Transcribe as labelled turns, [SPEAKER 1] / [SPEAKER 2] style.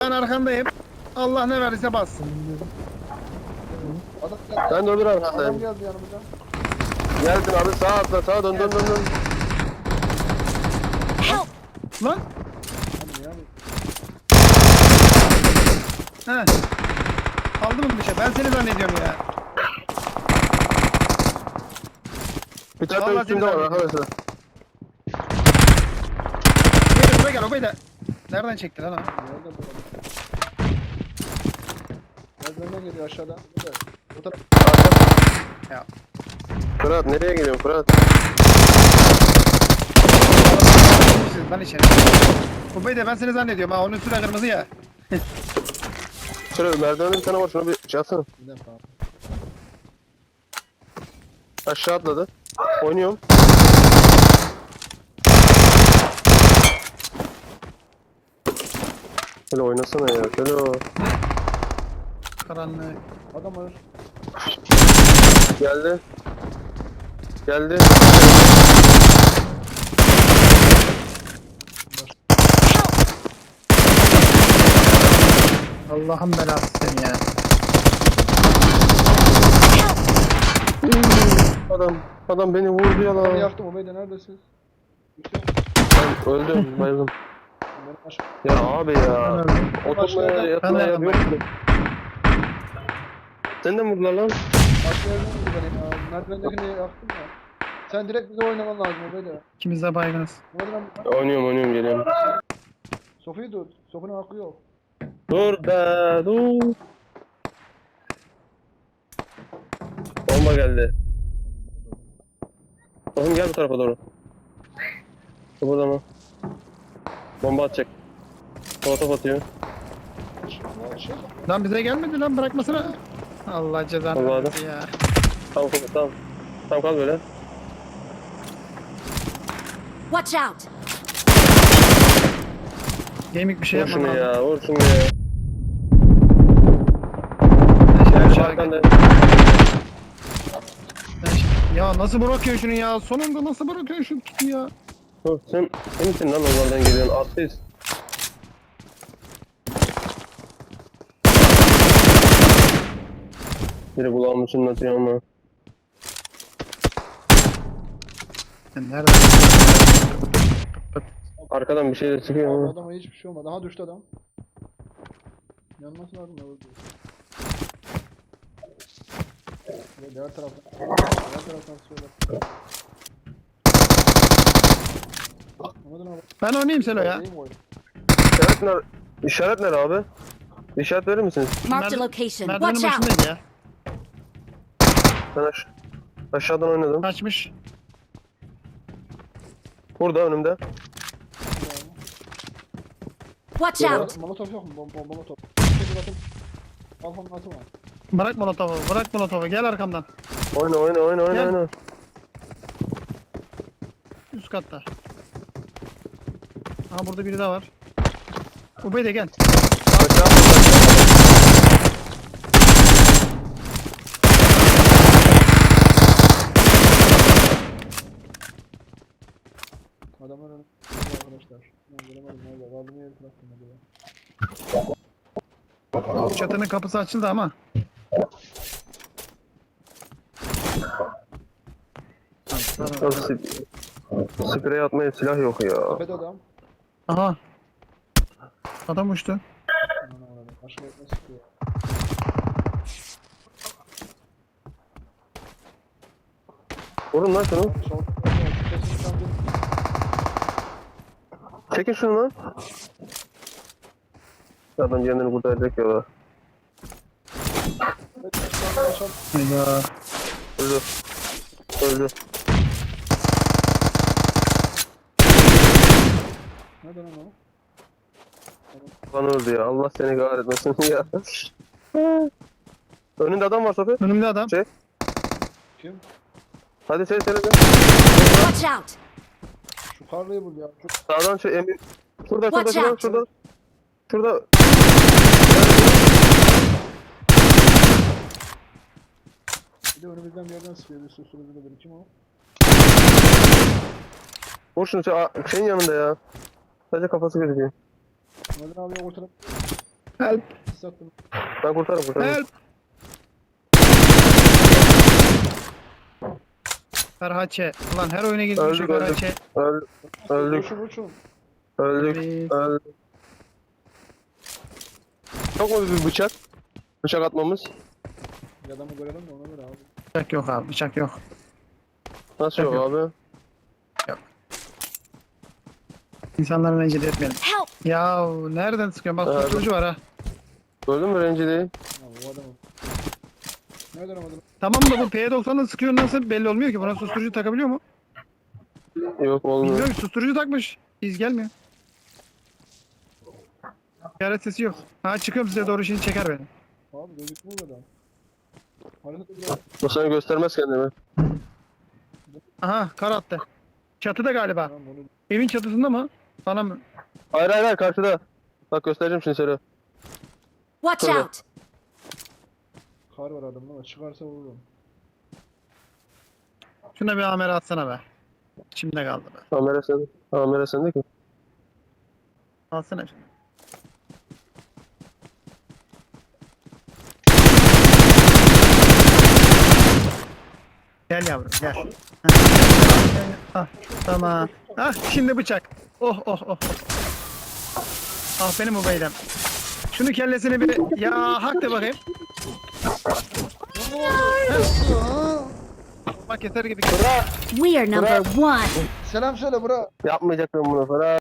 [SPEAKER 1] Ben arkandayım. Allah ne verirse bassın.
[SPEAKER 2] Adam geldi.
[SPEAKER 3] Ben de öbür
[SPEAKER 2] Adam
[SPEAKER 3] arkadayım.
[SPEAKER 2] geldi yanımıza.
[SPEAKER 3] Geldin abi sağa atla sağa dön dön dön dön.
[SPEAKER 4] Help!
[SPEAKER 1] Lan.
[SPEAKER 2] Hani yani.
[SPEAKER 1] He. Aldı mı bir şey? Ben seni zannediyorum ya.
[SPEAKER 3] Bir tane
[SPEAKER 1] Vallahi
[SPEAKER 3] üstünde
[SPEAKER 1] seni
[SPEAKER 3] var arkadaşlar.
[SPEAKER 1] Gel buraya gel obayı da. Nereden çekti lan o?
[SPEAKER 2] Nerede bu adam? Merdivenden geliyor aşağıdan. Evet. O taraf.
[SPEAKER 1] Ya.
[SPEAKER 3] Fırat nereye gidiyorsun Fırat?
[SPEAKER 1] Siz lan içeri. Obayı da ben seni zannediyorum ha. Onun üstüne kırmızı ya.
[SPEAKER 3] Şöyle merdivende bir tane var şunu bir şey atsana.
[SPEAKER 2] Bir defa.
[SPEAKER 3] Aşağı atladı. Oynuyorum. Şöyle oynasana ya. Şöyle o.
[SPEAKER 1] Karanlık.
[SPEAKER 2] Adam var.
[SPEAKER 3] Geldi. Geldi.
[SPEAKER 1] Allah'ın belası seni ya.
[SPEAKER 3] Adam beni vurdu ya
[SPEAKER 2] Ben
[SPEAKER 3] lan.
[SPEAKER 2] yaktım. Obeyde neredesiniz? Yüksel.
[SPEAKER 3] Ben öldüm bayıldım.
[SPEAKER 2] Ben aşağı.
[SPEAKER 3] Ya abi
[SPEAKER 1] Ben
[SPEAKER 3] ya.
[SPEAKER 1] öldüm.
[SPEAKER 3] Oturmaya
[SPEAKER 1] Ben
[SPEAKER 3] yatmaya
[SPEAKER 1] de
[SPEAKER 3] yok mu? Sen de mi vurdular lan?
[SPEAKER 2] Başka yerden vurdu beni. Merdivendekini yaktım ya. Sen direkt bize oynaman lazım Obeyde.
[SPEAKER 1] İkimiz de baygınız.
[SPEAKER 2] Nereden?
[SPEAKER 3] Oynuyorum geliyorum.
[SPEAKER 2] Sofi'yi tut. Sofi'nin hakkı yok.
[SPEAKER 3] Dur be dur. Bomba geldi. Oğlum gel bu tarafa doğru. Burada mı? Bomba atacak. Molotof atıyor.
[SPEAKER 2] Şey.
[SPEAKER 1] Lan bize gelmedi lan bırakmasana. Allah cezanı
[SPEAKER 3] Allah'ım.
[SPEAKER 1] versin ya.
[SPEAKER 3] Tamam tamam. Tamam kal böyle.
[SPEAKER 4] Watch out!
[SPEAKER 1] Gaming bir şey
[SPEAKER 3] Vur
[SPEAKER 1] yapmam
[SPEAKER 3] şunu
[SPEAKER 1] lazım.
[SPEAKER 3] ya vur şunu ya.
[SPEAKER 1] Ben şimdi
[SPEAKER 3] Gel
[SPEAKER 1] aşağı
[SPEAKER 3] arkanda.
[SPEAKER 1] Ya nasıl bırakıyorsun şunu ya? Sonunda nasıl bırakıyorsun şunu tutu ya?
[SPEAKER 3] Dur sen misin lan oradan geliyorsun? Atlıyız. Biri kulağımı çınlatıyor ama.
[SPEAKER 1] Sen nerede?
[SPEAKER 3] Arkadan bir şey de çıkıyor ama.
[SPEAKER 2] Adama hiçbir şey olmadı. Aha düştü adam. Yanması lazım ya. Diğer taraftan. Diğer taraftan sıkıyorlar. Anladın abi.
[SPEAKER 1] Ben oynayayım Selo ya.
[SPEAKER 2] Değil mi oyun?
[SPEAKER 3] İşaret nere? İşaret nere abi? İşaret verir misiniz?
[SPEAKER 4] Marked a
[SPEAKER 1] Merdi-
[SPEAKER 4] location.
[SPEAKER 1] Merdivenin
[SPEAKER 4] Watch out!
[SPEAKER 1] başındaydı ya.
[SPEAKER 3] Ben aşağıdan oynadım.
[SPEAKER 1] Kaçmış.
[SPEAKER 3] Burada önümde.
[SPEAKER 4] Watch
[SPEAKER 3] Yeah.
[SPEAKER 4] out!
[SPEAKER 2] Molotof yok mu? Molotof. Şey atın. Alfa'nın atı var.
[SPEAKER 1] Bırak molotofu, bırak molotofu. Gel arkamdan.
[SPEAKER 3] Oyna.
[SPEAKER 1] Gel. Üst katta. Aha burada biri daha var. Ubey de gel.
[SPEAKER 2] Adamlar önü. Arkadaşlar. Ben göremedim nerede. Kaldım yeri bıraktım acaba.
[SPEAKER 1] Çatının kapısı açıldı ama.
[SPEAKER 3] Sprey atmaya silah yok ya.
[SPEAKER 2] Tepede adam.
[SPEAKER 1] Aha. Adam uçtu.
[SPEAKER 2] Aman Allah'ım. Başka etme sıkıyor.
[SPEAKER 3] Vurun lan şunu.
[SPEAKER 2] Sol. Sesini sandım.
[SPEAKER 3] Çekin şunu lan. Adam kendini kurtaracak ya.
[SPEAKER 1] Ya.
[SPEAKER 3] Öldü. Öldü.
[SPEAKER 2] Nereden lan o?
[SPEAKER 3] Lan öldü ya. Allah seni kahretmesin ya. Önünde adam var Sofi.
[SPEAKER 1] Önümde adam.
[SPEAKER 3] Şey.
[SPEAKER 2] Kim?
[SPEAKER 3] Hadi söyle.
[SPEAKER 4] Watch out!
[SPEAKER 2] Şu karlıyı bul ya. Şu
[SPEAKER 3] Sağdan şey emin. Şurada.
[SPEAKER 4] Watch out.
[SPEAKER 3] Şurada.
[SPEAKER 2] bir de önümüzden bir yerden sıkıyor. Bir susturucu da biri. Kim o?
[SPEAKER 3] Vur şunu şeyin yanında ya. Sadece kafası gözüküyor.
[SPEAKER 2] Nereden abi ortada?
[SPEAKER 1] Help.
[SPEAKER 2] Sattım.
[SPEAKER 3] Ben kurtarırım.
[SPEAKER 1] Help. Ferhaçe. Ulan her oyuna gitmiş
[SPEAKER 3] Öldük, öldük.
[SPEAKER 1] Ferhaçe.
[SPEAKER 3] Öldük.
[SPEAKER 2] Uçun.
[SPEAKER 3] Öldük.
[SPEAKER 1] Evet.
[SPEAKER 3] Öldük. Çok mu bir bıçak? Bıçak atmamız.
[SPEAKER 2] Bir adamı görelim de ona göre abi.
[SPEAKER 1] Bıçak yok abi, bıçak yok.
[SPEAKER 3] Nasıl yok
[SPEAKER 1] Yok.
[SPEAKER 3] abi?
[SPEAKER 1] İnsanları rencide etmeyelim.
[SPEAKER 4] Help!
[SPEAKER 1] Ya nereden sıkıyorsun? Bak
[SPEAKER 3] Abi.
[SPEAKER 1] susturucu var ha.
[SPEAKER 3] Gördün mü rencideyi?
[SPEAKER 2] Ya o adamı. Nereden o adam?
[SPEAKER 1] Tamam da bu P90'la sıkıyor nasıl belli olmuyor ki. Buna susturucu takabiliyor mu?
[SPEAKER 3] Yok olmuyor.
[SPEAKER 1] Bilmiyorum ki susturucu takmış. İz gelmiyor. İşaret sesi yok. Ha çıkıyorum size doğru şimdi çeker beni.
[SPEAKER 2] Abi gözükmüyor adam. Hareket ediyor.
[SPEAKER 3] Bu sana göstermez kendimi.
[SPEAKER 1] Aha kar attı. Çatıda galiba.
[SPEAKER 2] Tamam onu.
[SPEAKER 1] Evin çatısında mı? Bana mı?
[SPEAKER 3] Hayır hayır hayır karşıda. Bak göstereceğim şimdi seni.
[SPEAKER 4] Watch
[SPEAKER 3] Tabii.
[SPEAKER 4] out!
[SPEAKER 2] Kar var adamda ama çıkarsa vururum.
[SPEAKER 1] Şuna bir amere atsana be. İçimde kaldı be.
[SPEAKER 3] Kamera sende. Kamera sende ki.
[SPEAKER 1] Alsana şunu. Gel yavrum gel. Ah, tamam. Ah şimdi bıçak. Oh oh oh. Ah benim ubeydem. Şunu kellesini bir ya hak de bakayım. Bak yeter gibi.
[SPEAKER 4] We are number one.
[SPEAKER 2] Selam söyle bura.
[SPEAKER 3] Yapmayacaktım bunu falan.